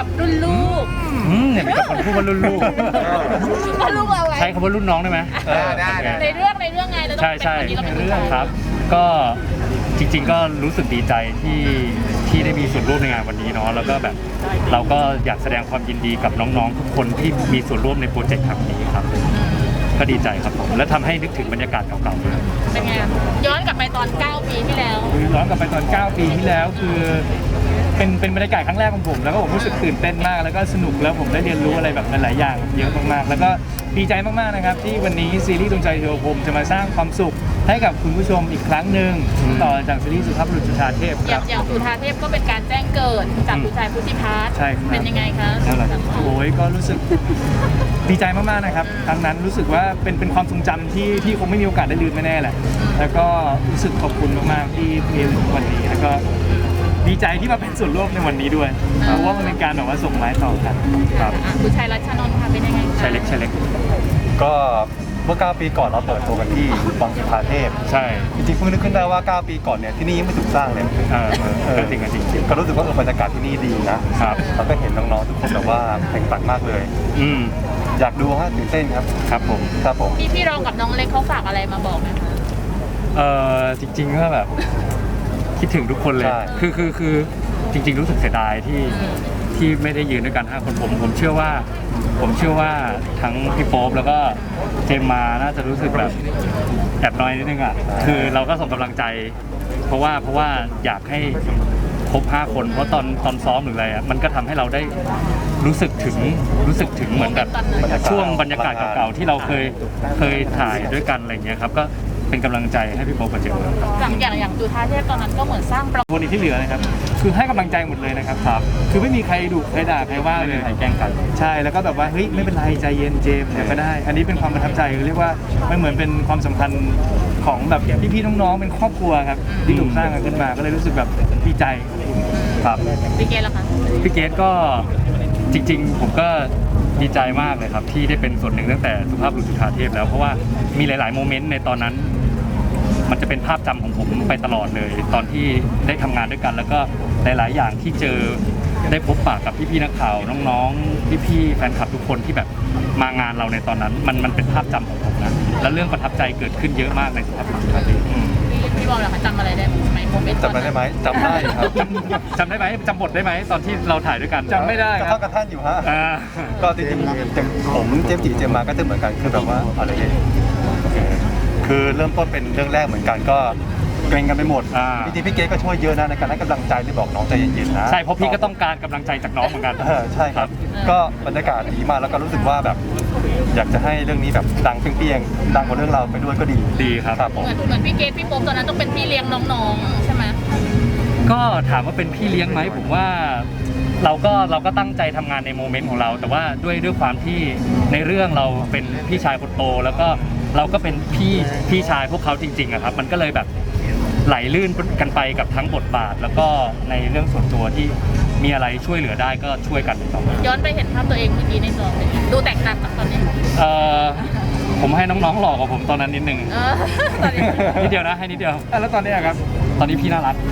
กับรุ่นลูกเนี่ยมีแต่คนพูดว่ารุ่นลูกรุ่นเราไงใช้คำว่ารุ่นน้องได้ไหมได้ในเรื่องไงเราต้องเป็นคนนี้เราเป็นผู้ชายครับก็จริงๆก็รู้สึกดีใจที่ได้มีส่วนร่วมในงานวันนี้เนาะแล้วก็แบบเราก็อยากแสดงความยินดีกับน้องๆทุกคนที่มีส่วนร่วมในโปรเจกต์ครั้งนี้ครับก็ดีใจครับผมและทำให้นึกถึงบรรยากาศเก่าๆด้วยเป็นไงย้อนกลับไปตอน9 ปีที่แล้วย้อนกลับไปตอน9 ปีที่แล้วคือเป็นบรรยากาศครั้งแรกของผมแล้วก็ผมรู้สึกตื่นเต้นมากแล้วก็สนุกแล้วผมได้เรียนรู้อะไรแบบหลายๆอย่างเยอะมากๆแล้วก็ดีใจมากๆนะครับที่วันนี้ซีรีส์ดวงใจเทวพรหมจะมาสร้างความสุขให้กับคุณผู้ชมอีกครั้งหนึ่งต่อจากซีรีส์สุภาพบุรุษจุฑาเทพครับอย่างสุฑาเทพก็เป็นการแจ้งเกิดจากผู้ชายพุทธิพัฒน์เป็นยังไงคะโอ้ยก็รู้สึกดีใจมากๆนะครับครั้งนั้นรู้สึกว่าเป็นความทรงจำที่คงไม่มีโอกาสได้ลืมแน่ๆแหละแล้วก็รู้สึกขอบคุณมากๆที่เรียนวันนี้แล้วก็ดีใจที่มาเป็นส่วนร่วมในวันนี้ด้วยเพราะว่ามันเป็นการแบบว่าส่งไม้ต่อกันครับผู้ชายรัชนนท์ค่ะเป็นยังไงชายเล็กก็เมื่อ9 ปีก่อนเราเปิดตัวกันที่วังสุฑาเทพใช่จริงๆเพิ่งนึกขึ้นได้ว่า9 ปีก่อนเนี่ยที่นี่ยังไม่ถูกสร้างเลยก็จริงก็รู้สึกว่าบรรยากาศที่นี่ดีนะครับเราก็เห็นน้องๆทุกคนแบบว่าแข่งขันมากเลยอยากดูฮะตื่นเต้นครับครับผมพี่รองกับน้องเล็กเขาฝากอะไรมาบอกไหมคะจริงๆก็แบบคิดถึงทุกคนเลยคือจริงๆรู้สึกเสียดายที่ไม่ได้ยืนด้วยกัน5 คนผมเชื่อว่าทั้งพี่โป๊ปแล้วก็เจมมาน่าจะรู้สึกแบบแอบน้อยนิดนึงอ่ะคือเราก็ส่งกำลังใจเพราะว่าอยากให้ครบ5 คนเพราะตอนซ้อมหรืออะไรอ่ะมันก็ทำให้เราได้รู้สึกถึงเหมือนแบบช่วงบรรยากาศเก่าๆที่เราเคยถ่ายด้วยกันอะไรเงี้ยครับก็เป็นกำลังใจให้พี่โป๊ปกับเจมส์อย่างจุฑาเทพตอนนั้นก็เหมือนสร้างประวัติคนที่เหลือนะครับคือให้กำลังใจหมดเลยนะครับคือไม่มีใครดุใครด่าใครว่าเลยใครแกล้งกันใช่แล้วก็แบบว่าเฮ้ยไม่เป็นไรใจเย็นเจมส์เนี่ยก็ได้อันนี้เป็นความประทับใจเรียกว่ามันเหมือนเป็นความสัมพันธ์ของแบบพี่ๆน้องๆเป็นครอบครัวครับที่ถูกสร้างกันขึ้นมาก็เลยรู้สึกแบบดีใจครับพี่เกศล่ะคะพี่เกศก็จริงๆผมก็ดีใจมากเลยครับที่ได้เป็นส่วนหนึ่งตั้งแต่สุภาพบุรุษจุฑาเทพแล้วเพราะว่ามีหลายๆโมเมนต์ในตอนนั้นมันจะเป็นภาพจำของผมไปตลอดเลยตอนที่ได้ทำงานด้วยกันแล้วก็หลายๆอย่างที่เจอได้พบปะกับพี่ๆนักข่าวน้องๆพี่ๆแฟนคลับทุกคนที่แบบมางานเราในตอนนั้นมันเป็นภาพจำของผมนะและเรื่องประทับใจเกิดขึ้นเยอะมากในสุภาพบุรุษจุฑาเทพพี่บอลล่ะคะจำอะไรได้ไหมโมเมนต์จำได้ไหมจำได้ครับจำได้ไหมจำบทได้ไหมตอนที่เราถ่ายด้วยกันจำไม่ได้ครับกระท่านอยู่ฮะก็จริงๆผมเจมส์จีเจมมาก็จะเหมือนกันคือแบบว่าอะไรเนี่ยคือเริ่มต้นเป็นเรื่องแรกเหมือนกันก็เกรงกันไปหมดจริงๆพี่เก๋ก็ช่วยเยอะนะในการให้กำลังใจที่บอกน้องใจเย็นๆนะใช่เพราะพี่ก็ต้องการกำลังใจจากน้องเหมือนกันใช่ครับก็บรรยากาศดีมากแล้วก็รู้สึกว่าแบบอยากจะให้เรื่องนี้แบบดังเปรี้ยงๆดังกว่าเรื่องเราไปด้วยก็ดีครับเหมือนพี่เกศพี่โป๊ปตอนนั้นต้องเป็นพี่เลี้ยงน้องๆใช่ไหมก็ถามว่าเป็นพี่เลี้ยงไหมผมว่าเราก็ตั้งใจทำงานในโมเมนต์ของเราแต่ว่าด้วยความที่ในเรื่องเราเป็นพี่ชายคนโตแล้วก็เราก็เป็นพี่ชายพวกเขาจริงๆอะครับมันก็เลยแบบไหลลื่นกันไปกับทั้งบทบาทแล้วก็ในเรื่องส่วนตัวที่มีอะไรช่วยเหลือได้ก็ช่วยกันต่อย้อนไปเห็นภาพตัวเองเมื่อกี้ในจอเป็นดูแตกต่างจากตอนนี้ผมให้น้องๆหลอกกว่าผมตอนนั้นนิดนึงนิดเดียวนะให้นิดเดียวแล้วตอนนี้ครับตอนนี้พี่น่ารัก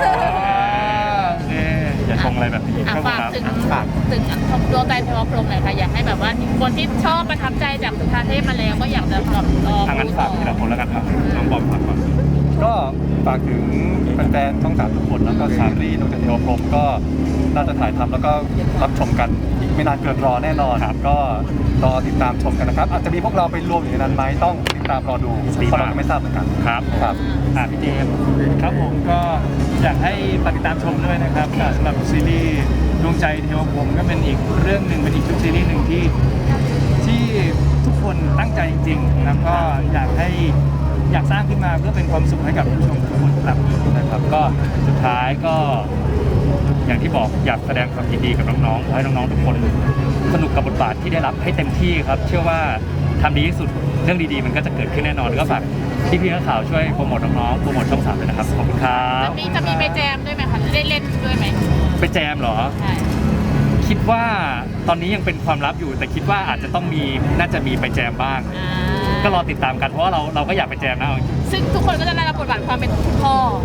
อย่าชงอะไรแบบนี้ฝากถึงดวงใจเทวพรหมหน่อยค่ะอยากให้แบบว่าคนที่ชอบประทับใจจากสุฑาเทพมาแล้วก็อยากจะลองงั้นฝากทีละคนแล้วกันครับน้องบอมฝากก่อนก็ฝากถึงแฟนๆช่อง3ทุกคนแล้วก็ซีรีส์ดวงใจเทวพรหมก็น่าจะถ่ายทำแล้วก็รับชมกันอีกไม่นานเกินรอแน่นอนก็รอติดตามชมกันนะครับอาจจะมีพวกเราไปรวมอยู่ในนั้นไหมต้องติดตามรอดูเพราะเราก็ไม่ทราบเหมือนกันครับพี่เจมครับผมก็อยากให้ติดตามชมด้วยนะครับสำหรับซีรีส์ดวงใจเทวพรหมก็เป็นอีกเรื่องหนึ่งเป็นอีกชุดซีรีส์หนึ่งที่ทุกคนตั้งใจจริงๆแล้วก็อยากสร้างขึ้นมาเพื่อเป็นความสุขให้กับผู้ชมทุกคนนะครับก็สุดท้ายก็อย่างที่บอกอยากแสดงความยินดีกับน้องๆให้น้องๆทุกคนสนุกกับบทบาทที่ได้รับให้เต็มที่ครับเชื่อว่าทำดีที่สุดเรื่องดีๆมันก็จะเกิดขึ้นแน่นอนก็ฝากพี่ๆนักข่าวช่วยโปรโมทน้องๆโปรโมทช่อง3เลยนะครับขอบคุณครับจะมีไปแจมด้วยไหมคะได้เล่นด้วยไหมไปแจมเหรอใช่คิดว่าตอนนี้ยังเป็นความลับอยู่แต่คิดว่าอาจจะต้องน่าจะมีไปแจมบ้างก็รอติดตามกันเพราะว่าเราก็อยากไปแจมนะซึ่งทุกคนก็จะได้รับบทบาทความเป็นพ่อ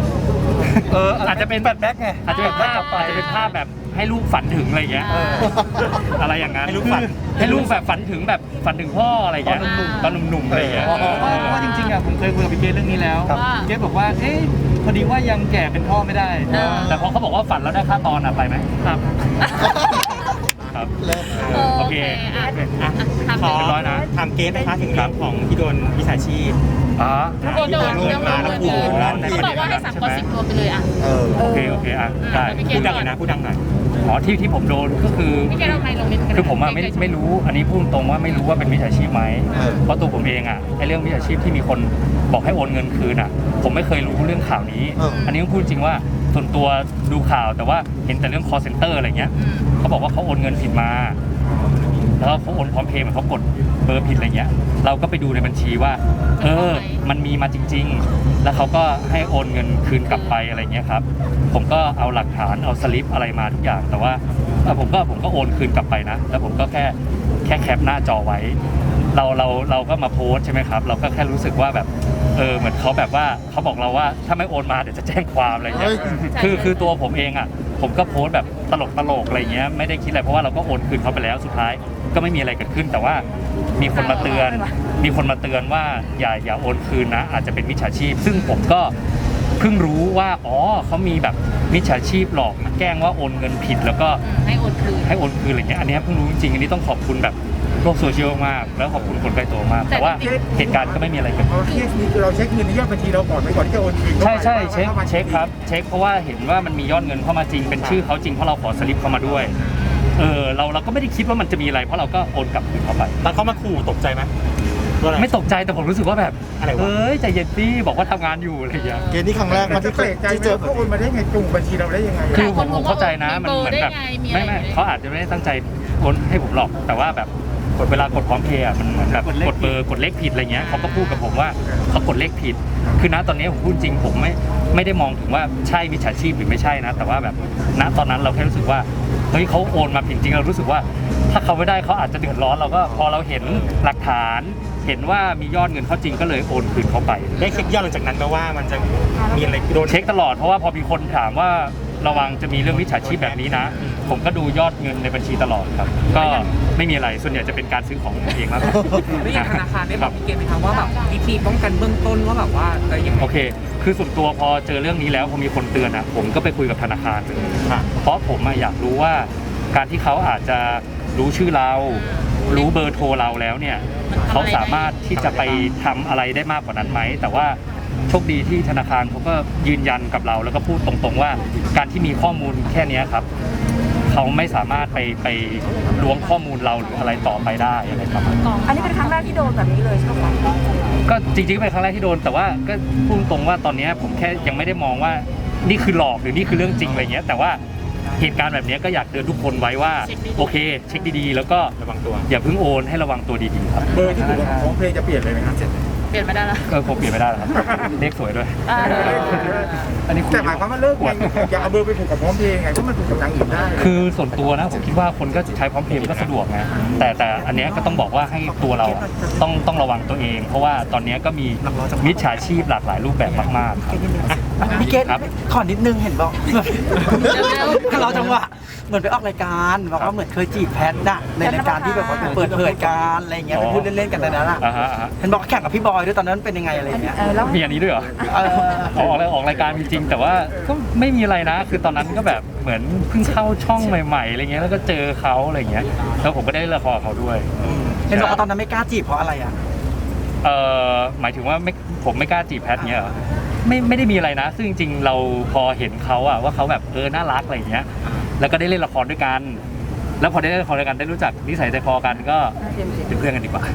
อาจจะเป็นแบทแบ็กไงอาจจะเป็นภาพกลับไปอาจจะเป็นภาพแบบให้ลูกฝันถึงอะไรอย่างเงี้ยอะไรอย่างนั้นให้ลูกฝันให้ลูกแบบฝันถึงพ่ออะไรอย่างเงี้ยตอนหนุ่มๆอะไรอย่างเงี้ยเพราะว่าจริงๆอ่ะผมเคยคุยกับพี่เกดเรื่องนี้แล้วครับเกดบอกว่าเอ๊ะพอดีว่ายังแก่เป็นพ่อไม่ได้แต่พอเขาบอกว่าฝันแล้วได้ค่าตอนอะไปไหมครับครับโอเคอ่ะอ่ะถามขอ เรียบร้อยนะถามเกสนะคะถึงเรื่องของที่โดนวิชาชีพอ๋อโดนเรื่องมาแล้วขู่เขาบอกว่าให้3 คน 10 ตัวไปเลยอ่ะโอเคอ่ะได้พี่เกพูดดดังหน่อยนะพูดดังหน่อยอ๋อที่ผมโดนก็คือพี่เกดเอาไมค์ลงนิดนึงคือผมอะไม่รู้อันนี้พูดตรงว่าไม่รู้ว่าเป็นมิจฉาชีพไหมเพราะตัวผมเองอะไอเรื่องมิจฉาชีพที่มีคนบอกให้โอนเงินคืนอะผมไม่เคยรู้เรื่องข่าวนี้ อันนี้ต้องพูดจริงว่าส่วนตัวดูข่าวแต่ว่าเห็นแต่เรื่อง call center อะไรเงี้ยเขาบอกว่าเขาโอนเงินผิดมาแล้วเขาโอนพร้อมเพย์เหมือนเขากดเบอร์ผิดอะไรเงี้ยเราก็ไปดูในบัญชีว่ามันมีมาจริง ๆ แล้วเขาก็ให้โอนเงินคืนกลับไปอะไรเงี้ยครับผมก็เอาหลักฐานเอาสลิปอะไรมาทุกอย่างแต่ว่าผมก็โอนคืนกลับไปนะแล้วผมก็แค่แคปหน้าจอไว้เราก็มาโพสต์ใช่ไหมครับเราก็แค่รู้สึกว่าแบบเหมือนเขาแบบว่าเขาบอกเราว่าถ้าไม่โอนมาเดี๋ยวจะแจ้งความอะไรเงี้ยคือตัวผมเองอ่ะผมก็โพสต์แบบตลกอะไรเงี้ยไม่ได้คิดอะไรเพราะว่าเราก็โอนคืนเขาไปแล้วสุดท้ายก็ไม่มีอะไรเกิดขึ้นแต่ว่ามีคนมาเตือนว่าอย่าโอนคืนนะอาจจะเป็นมิจฉาชีพซึ่งผมก็เพิ่งรู้ว่าอ๋อเขามีแบบมิจฉาชีพหลอกมาแกล้งว่าโอนเงินผิดแล้วก็ให้โอนคืนอะไรเงี้ยอันนี้เพิ่งรู้จริงอันนี้ต้องขอบคุณแบบโลกโซเชียลมากแล้วขอบคุณคนใกล้ตัวมากแต่ว่าเหตุการณ์ก็ไม่มีอะไรเกิดขึ้นเคสนี้คือเราเช็คเงินในยอดบัญชีเราก่อนที่จะโอนคืนใช่เช็คครับเช็คเพราะว่าเห็นว่ามันมียอดเงินเข้ามาจริงเป็นชื่อเขาจริงเพราะเราขอสลิปเข้ามาด้วยเราก็ไม่ได้คิดว่ามันจะมีอะไรเพราะเราก็โอนกลับคืนเขาไปตอนเขามาขู่ตกใจไหมว่าอะไรไม่ตกใจแต่ผมรู้สึกว่าแบบอะไรวะใจเย็นพี่บอกว่าทำงานอยู่อะไรอย่างเงี้ยเกณฑ์นี้ครั้งแรกมาที่เจอเขาโอนมาได้ไงจุงบัญชีเราได้ยังไงคือผมเข้าใจนะมันเหมือนแบบไม่เขาอาจจะไม่ได้ตั้งใจโอนให้ผมหรอกแต่ว่าแบบเวลากดพร้อมเพย์อ่ะมันเหมือนแบบกดเบอร์กดเลขผิดอะไรเงี้ยเขาก็พูดกับผมว่าเขากดเลขผิดคือณตอนนี้ผมพูดจริงผมไม่ได้มองถึงว่าใช่มิจฉาชีพหรือไม่ใช่นะแต่ว่าแบบณตอนนั้นเราแค่รู้สึกว่าเฮ้ยเขาโอนมาผิดจริงเรารู้สึกว่าถ้าเขาไม่ได้เขาอาจจะเดือดร้อนเราก็พอเราเห็นหลักฐานเห็นว่ามียอดเงินเขาจริงก็เลยโอนคืนเขาไปได้เช็คยอดหลังจากนั้นไหมว่ามันจะมีอะไรโดนเช็คตลอดเพราะว่าพอมีคนถามว่าระวังจะมีเรื่องมิจฉาชีพแบบนี้นะ ผมก็ดูยอดเงินในบัญชีตลอดครับก็ไม่มีอะไรส่วนใหญ่จะเป็นการซื้อของผมเองมากกว่าแล้วอย่างธนาคารได้บอกพี่เกณฑ์ไหมครับว่าแบบวิธีป้องกันเบื้องต้นว่าแบบว่ายังไงโอเค คือส่วนตัวพอเจอเรื่องนี้แล้วพอมีคนเตือนอ่ะผมก็ไปคุยกับธนาคารเลยเพราะผมอยากรู้ว่าการที่เขาอาจจะรู้ชื่อเรารู้เบอร์โทรเราแล้วเนี่ยเขาสามารถที่จะไปทำอะไรได้มากกว่านั้นไหมแต่ว่าโชคดีที่ธนาคารเขาก็ยืนยันกับเราแล้วก็พูดตรงๆว่าการที่มีข้อมูลแค่นี้ครับเขาไม่สามารถไปล้วงข้อมูลเราหรืออะไรต่อไปได้อะไรประมาณนั้นอันนี้เป็นครั้งแรกที่โดนแบบนี้เลยใช่ไหมคะก็จริงๆก็เป็นครั้งแรกที่โดนแต่ว่าก็พูดตรงว่าตอนนี้ผมแค่ยังไม่ได้มองว่านี่คือหลอกหรือนี่คือเรื่องจริงอะไรเงี้ยแต่ว่าเหตุการณ์แบบนี้ก็อยากเตือนทุกคนไว้ว่าโอเคเช็คดีๆแล้วก็ระวังตัวอย่าเพิ่งโอนให้ระวังตัวดีๆครับเบอร์ที่ถูกของเพลงจะเปลี่ยนเลยไหมครับเปลี่ยนไม่ได้ละก็คงเปลี่ยนไม่ได้แล้วครับเลขสวยด้วย อันนี้คุยแต่หมายความว่าเลิกไงอย่าเอาเบอร์ไปผูกกับพร้อมเพลงไงเพราะมันผูกกับทางอื่นได้คือส่วนตัวนะผมคิดว่าคนก็ใช้พร้อมเพย์มันก็สะดวกไงแต่อันเนี้ยก็ต้องบอกว่าให้ตัวเราอะต้องระวังตัวเอง เพราะว่าตอนเนี้ยก็มีมิจฉาชีพหลากหลายรูปแบบมากๆครับพี่เกณฑ์ครับขอนิดนึงเห็นบอกเราจังหวะเหมือนไปออกรายการบอกว่าเหมือนเคยจีบแพทน่ะในรายการที่แบบว่าเปิดเผยการอะไรเงี้ยไปพูดเล่นๆกันในนั้นอ่ะอ่าฮะเห็นบอกแข่งกับพี่บอยด้วยตอนนั้นเป็นยังไงอะไรเงี้ยแล้วมีอันนี้ด้วยเหรอ ออกรายการจริงๆแต่ว่าก็ไม่มีอะไรนะ คือตอนนั้นก็แบบเหมือนเพิ่งเข้าช่องใหม่ๆอะไรเงี้ยแล้วก็เจอเขาอะไรเงี้ยแล้วผมก็ได้เล่นละครกับเขาด้วยเห็นบอกว่าตอนนั้นไม่กล้าจีบเพราะอะไรอ่ะหมายถึงว่าผมไม่กล้าจีบแพทเงี้ยเหรอไม่ได้มีอะไรนะ ซึ่งจริงๆเราพอเห็นเขาอะว่าเขาแบบน่ารักอะไรเงี้ยแล้วก็ได้เล่นละครด้วยกันแล้วพอได้เล่นละครด้วยกันได้รู้จักนิสัยใจคอกันก็เป็นเพื่อนกันดีกว่า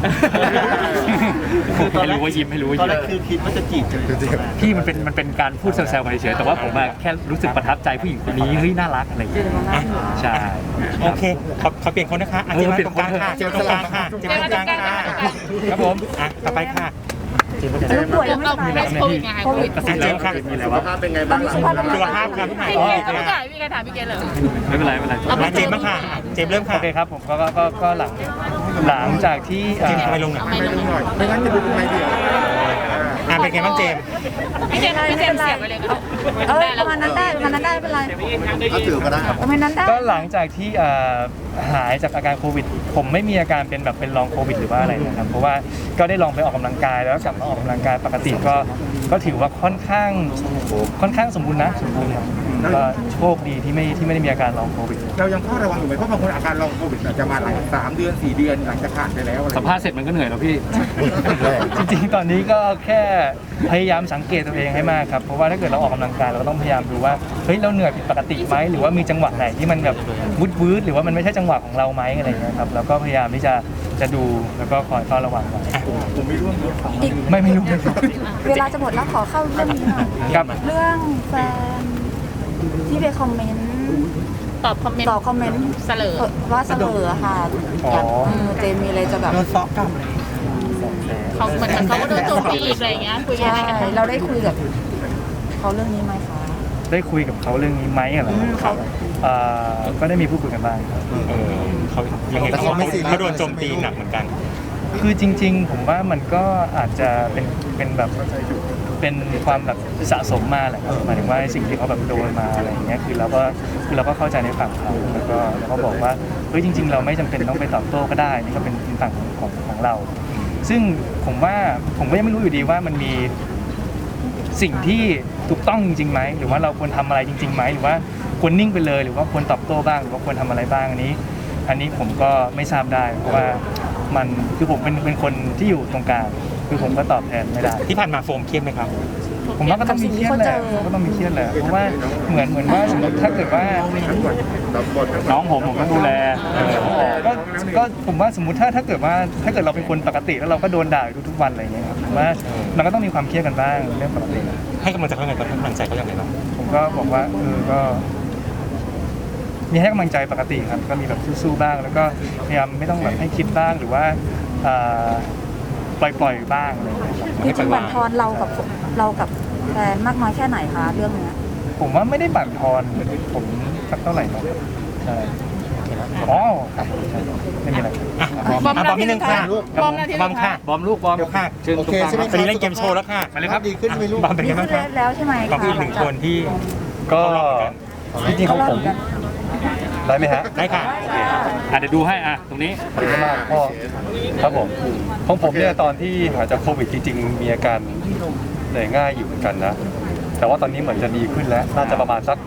ให้รู้ว่ายิ้มให้รู้ว่าตอนยิ้แรมกคือคิดว่าจะจีบใช่ไหมพี่มันเป็นการพูดแซวๆกันเฉยๆแต่ว่าผมอะแค่รู้สึกประทับใจผู้หญิงคนนี้เฮ้ยน่ารักอะไรอย่างเงี้ยใช่โอเคขอเปลี่ยนคนนะคะเจมส์ตรงกลางค่ะเจมส์ตรงกลางค่ะเจมส์ตรงกลางค่ะครับผมต่อไปค่ะลูกป่วยยังไม่เราสบายไม่โควิดไงโควิดกระซิบแล้วมีอะไรวะเป็นไงบ้างสุขภาพครับพี่ไหนพี่เกณฑ์ไม่ได้พี่เกณฑ์ถามพี่เกณฑ์เลยไม่เป็นไรมาเจมส์บ้างค่ะเจมส์เริ่มค่ะโอเคครับผมก็หลังจากที่เจมส์ทำไมลงหน่อยไม่ลงหน่อยไม่งั้นจะดูไม่เดียวเป็นไงบ้างเจมส์พี่เจมส์เสียบไปเลยครับประมาณนั้นได้ประมาณนั้นได้ไม่เป็นไรเอาถือก็ได้ครับประมาณนั้นได้ก็หลังจากที่หายจากอาการโควิด ผมไม่มีอาการเป็นแบบเป็นลองโควิดหรือว่าอะไรนะครับเพราะว่าก็ได้ลองไปออกกำลังกายแล้วกลับมาออกกำลังกายปกติก็ถือว่าค่อนข้างสมบูรณ์ครับก็โชคดีที่ไม่ได้มีอาการลองโควิดเรายังเฝ้าระวังอยู่ไหมเพราะบางคนอาการลองโควิดอาจจะมาหลาย3 เดือน 4 เดือนหลังจากผ่านไปแล้วอะไรสัมภาษณ์เสร็จมันก็เหนื่อยแล้วพี่จริงๆ ตอนนี้ก็แค่พยายามสังเกตตัวเองให้มากครับ เพราะว่าถ้าเกิดเราออกกำลังกายเราก็ต้องพยายามดูว่า เฮ้ย เราเหนื่อยผิดปกติไหมหรือว่ามีจังหวะไหนที่มันแบบวืดหรือว่ามันไม่ใช่จังหวะของเราไหมอะไรอย่างเงี้ยครับ แล้วก็พยายามที่จะดูแล้วก็คอยเฝ้าระวังไว้ผมไม่ร่วมไม่รู้เวลาจะหมดแล้วขอเข้าเรื่องนี้หน่อยครับเรื่องแฟนที่ไปคอมเมนต์ตอบคอมเมนต์ต่อคอมเมนต์เสลอว่าเสลอค่ะอ๋อเจมมีอะไรจะแบบโดนฟ้องกลับเลยเขาเหมือนเขาก็โดนโจมตีอีกอะไรอย่างเงี้ยคุยกันใช่อะไรกันเราได้คุยกับเขาเรื่องนี้ไหมคะได้คุยกับเขาเรื่องนี้ไหมเหรอครับก็ได้มีพูดคุยกันบ้างครับเขายังไงเขาโดนโจมตีหนักเหมือนกันคือจริงๆ ผมว่ามันก็อาจจะเป็นแบบเป็นความแบบสะสมมาแหละครับหมายถึงว่าสิ่งที่เขาแบบโดนมาอะไรอย่างเงี้ยคือเราก็เข้าใจในฝั่งเขาแล้วก็บอกว่าเฮ้ยจริง ๆ เราไม่จำเป็นต้องไปตอบโต้ก็ได้นี่ก็เป็นฝั่งของเรา ซึ่งผมว่าผมก็ยังไม่รู้อยู่ดีว่ามันมีสิ่งที่ถูกต้องจริงๆไหมหรือว่าเราควรทำอะไรจริงๆไหมหรือว่าควรนิ่งไปเลยหรือว่าควรตอบโต้บ้างหรือว่าควรทำอะไรบ้างอันนี้ผมก็ไม่ทราบได้เพราะว่ามันคือผมเป็นคนที่อยู่ตรงกลางคือผมก็ตอบแทนไม่ได้ที่ผ่านมาโฟมเครียดไหมครับผมว่าก็ต้องมีเครียดแหละก็ต้องมีเครียดแหละเพราะว่าเหมือนว่าสมมติถ้าเกิดว่าน้องผมต้องดูแลก็ผมว่าสมมติถ้าเกิดเราเป็นคนปกติแล้วเราก็โดนด่าอยู่ทุกๆวันอะไรอย่างเงี้ยครับผมว่ามันก็ต้องมีความเครียดกันบ้างเรื่องปกติให้กำลังใจเขายังไงบ้างให้กำลังใจเขายังไงบ้างผมก็บอกว่าก็มีให้กำลังใจปกติครับก็มีแบบสู้ๆบ้างแล้วก็พยายามไม่ต้องแบบให้คิดบ้างหรือว่าปล่อยบ้างอะไรอย่างเงี้ยครับจริงๆบั่นทอนเรากับแฟนมากน้อยแค่ไหนคะเรื่องเนี้ยผมว่าไม่ได้บั่นทอนผมสักเท่าไหร่นะครับใช่อ๋อครับใช่ไม่มีอะไรบอมบอมนิดนึงค่ะบอมนาทีบอมค่ะบอมลูกบอมเดี๋ยวค่ะเชิญตรงกลางตอนนี้เล่นเกมโชว์แล้วค่ะไปเลยครับดีขึ้นไหมลูกบอมเป็นดีไงขึ้บ้างนคะแล้วใช่ไหมบอมคะคืออีกหนึ่งคนที่ก็จริงๆของผมได้ไหมฮะได้ค่ะเดี๋ยวดูให้ตรงนี้ขอบคุณมากพ่อครับผมของผมเนี่ยตอนที่หายจากโควิดจริงๆมีอาการเหนื่อยง่ายอยู่เหมือนกันนะ แต่ว่าตอนนี้เหมือนจะดีขึ้นแล้ว น่าจะประมาณสัก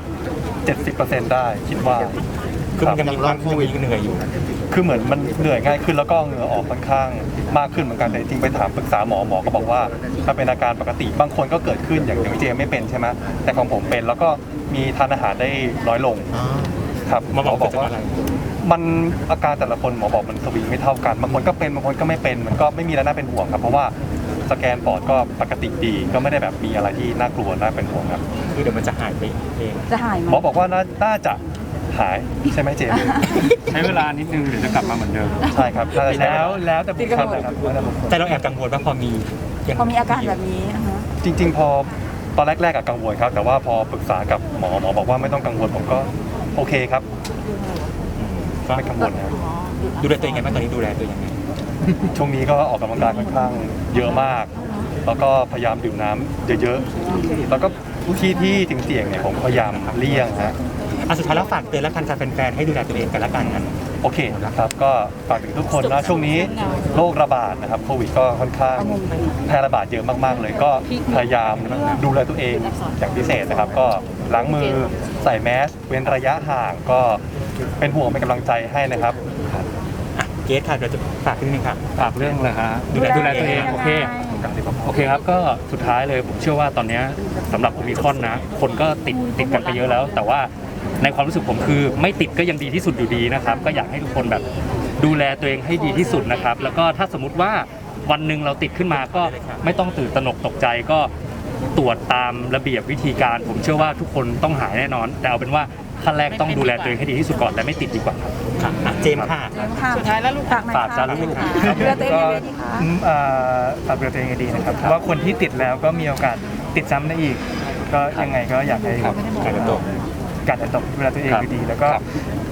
70% ได้คิดว่าคือมันยังมีความเหนื่อยอยู่คือเหมือนมันเหนื่อยง่ายขึ้นแล้วก็เหงื่อออกค่อนข้างมากขึ้นเหมือนกันแต่จริงๆไปถามปรึกษาหมอก็บอกว่ามันเป็นอาการปกติบางคนก็เกิดขึ้นอย่างพี่เจไม่เป็นใช่ไหมแต่ของผมเป็นแล้วก็มีทานอาหารได้น้อยลงครับหมอบอกว่าอะไรมันอาการแต่ละคนหมอบอกมันสวิงไม่เท่ากันบางคนก็เป็นบางคนก็ไม่เป็นมันก็ไม่มีอะไรน่าเป็นห่วงครับเพราะว่าสแกนปอดก็ปกติดีก็ไม่ได้แบบมีอะไรที่น่ากลัวน่าเป็นห่วงครับคือเดี๋ยวมันจะหายไปเองจะหายไหมหมอบอกว่าน่าจะหายใช่ไหมเจมส์ใช้เวลานิดนึงเดี๋ยวจะกลับมาเหมือนเดิมใช่ครับน่าจะใช่แล้วแต่บุคคลนะครับแต่เราแอบกังวลว่าพอมียังพอมีอาการแบบนี้นะคะจริงๆพอตอนแรกๆอะกังวลครับแต่ว่าพอปรึกษากับหมอบอกว่าไม่ต้องกังวลผมก็โอเคครับไม่กังวลครับดูแลตัวเองไงบ้างตอนนี้ดูแลตัวเองยังไงช่วงนี้ก็ออกกำลังกายค่อนข้างเยอะมาก แล้วก็พยายามดื่มน้ำเยอะๆแล้วก็ที่ถึงเสี่ยงเนี่ยผมพยายามเลี่ยงฮะสุดท้ายแล้วฝากเตือนและกันแฟนๆให้ดูแลตัวเองกันละกันนั้นโอเคนะครับก็ฝากถึงทุกคนนะช่วงนี้โรคระบาดนะครับโควิดก็ค่อนข้างแพร่ระบาดเยอะมากๆเลยก็พยายามดูแลตัวเองอย่างพิเศษนะครับ ก็ล้างมือใส่แมสเว้นระยะห่างก็เป็นห่วงเป็นกำลังใจให้นะครับเกสค่ะเดี๋ยวจะฝากนิดนึงค่ะฝากเรื่องเลยฮะดูแลตัวเองโอเคครับก็สุดท้ายเลยผมเชื่อว่าตอนนี้สำหรับโอมิครอนนะคนก็ติดกันไปเยอะแล้ว แต่ว่าในความรู้สึกผมคือไม่ติดก็ยังดีที่สุดอยู่ดีนะครับก็อยากให้ทุกคนแบบดูแลตัวเองให้ดีที่สุดนะครับแล้วก็ถ้าสมมุติว่าวันหนึ่งเราติดขึ้นมาก็ไม่ต้องตื่นตระหนกตกใจก็ตรวจตามระเบียบวิธีการ ผมเชื่อว่าทุกคนต้องหายแน่นอน แต่เอาเป็นว่าขั้นแรกต้องดูแลตัวเองให้ดีที่สุดก่อนและไม่ติดดีกว่าครับค่ะเจมส์ค่ะสุดท้ายแล้วลูกฝากหน่อยฝากจ้าค่ะลูกดูแลตัวเองยังไงดีคะฝากดูแลตัวเองให้ดีนะครับเพราะว่าคนที่ติดแล้วก็มีโอกาสติดซ้ำได้อีก ก็ยังไงก็อยากให้การจะตกการจะตกดูแลตัวเองให้ดีแล้วก็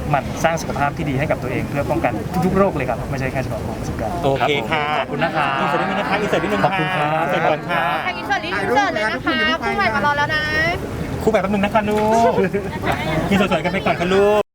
หมั่นสร้างสุขภาพที่ดีให้กับตัวเองเพื่อป้องกันทุกๆโรคเลยครับไม่ใช่แค่เฉพาะโรค19 โอเคค่ะขอบคุณนะครับอินเสิร์ตนิดนึงนะคะอินเสิร์ตนิดนึงขอบคุณครับอินเสิร์ตก่อนค่ะทางอินเสิร์ตเลยนะคะคู่ใหม่มารอแล้วนะคู่แบบแป๊บนึงนะคะลูกอินเสิร์ตสวยกันไปก่อนค่ะลูก